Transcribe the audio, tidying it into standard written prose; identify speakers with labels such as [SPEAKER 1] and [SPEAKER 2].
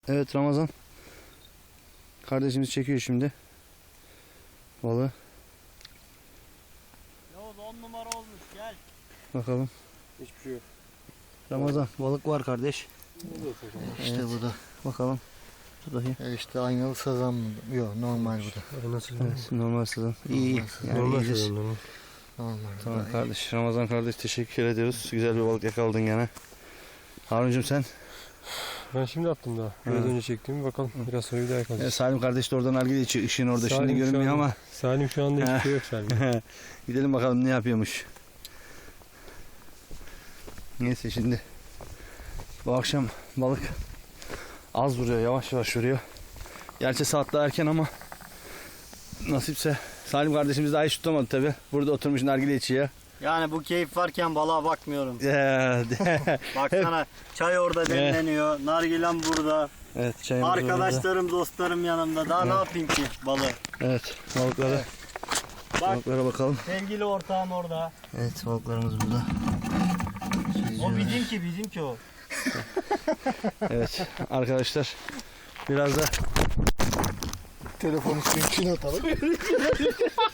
[SPEAKER 1] Evet Ramazan. Kardeşimiz çekiyor şimdi balığı.
[SPEAKER 2] Yavuz 10 numara olmuş, gel.
[SPEAKER 1] Bakalım.
[SPEAKER 3] Hiçbir şey yok.
[SPEAKER 1] Ramazan balık var kardeş.
[SPEAKER 4] İşte
[SPEAKER 1] Evet.
[SPEAKER 4] bu da.
[SPEAKER 1] Bakalım. Dur bakayım.
[SPEAKER 4] İşte aynalı sazan mı? Yok, normal bu da.
[SPEAKER 3] Nasıl?
[SPEAKER 1] Evet, normal sazan. İyi.
[SPEAKER 4] Normal sazan.
[SPEAKER 1] Yani
[SPEAKER 3] Normal
[SPEAKER 1] iyidir.
[SPEAKER 3] sezon, normal.
[SPEAKER 4] Normal.
[SPEAKER 1] Tamam kardeş. Ramazan kardeş teşekkür ediyoruz. Güzel bir balık yakaladın gene. Harun'cum sen?
[SPEAKER 3] Ben şimdi attım daha. Biraz önce çektiğimi bakalım. Biraz sonra bir daha yakalayacağız.
[SPEAKER 1] Salim kardeş de oradan nargile içiyor. Işığın orada
[SPEAKER 3] Salim
[SPEAKER 1] şimdi
[SPEAKER 3] şu
[SPEAKER 1] görünmüyor
[SPEAKER 3] an-
[SPEAKER 1] ama.
[SPEAKER 3] Salim şu anda hiçbir şey yok Salim.
[SPEAKER 1] Gidelim bakalım ne yapıyormuş. Neyse şimdi. Bu akşam balık az vuruyor. Yavaş yavaş vuruyor. Gerçi saatler erken ama nasipse. Salim kardeşimiz daha hiç tutamadı tabi. Burada oturmuş nargile içiyor.
[SPEAKER 2] Yani bu keyif varken balığa bakmıyorum.
[SPEAKER 1] Evet.
[SPEAKER 2] Baksana çay orada demleniyor, nargilem burada,
[SPEAKER 1] Evet çayımız burada.
[SPEAKER 2] arkadaşlarım, dostlarım yanımda. Daha ne yapayım ki balığı?
[SPEAKER 1] Evet balıklara.
[SPEAKER 2] Bak
[SPEAKER 1] Balıklara bakalım.
[SPEAKER 2] sevgili ortağım orada.
[SPEAKER 1] Evet balıklarımız burada.
[SPEAKER 2] O bizimki o.
[SPEAKER 1] Evet arkadaşlar biraz da
[SPEAKER 4] Telefonu suyun içine atalım.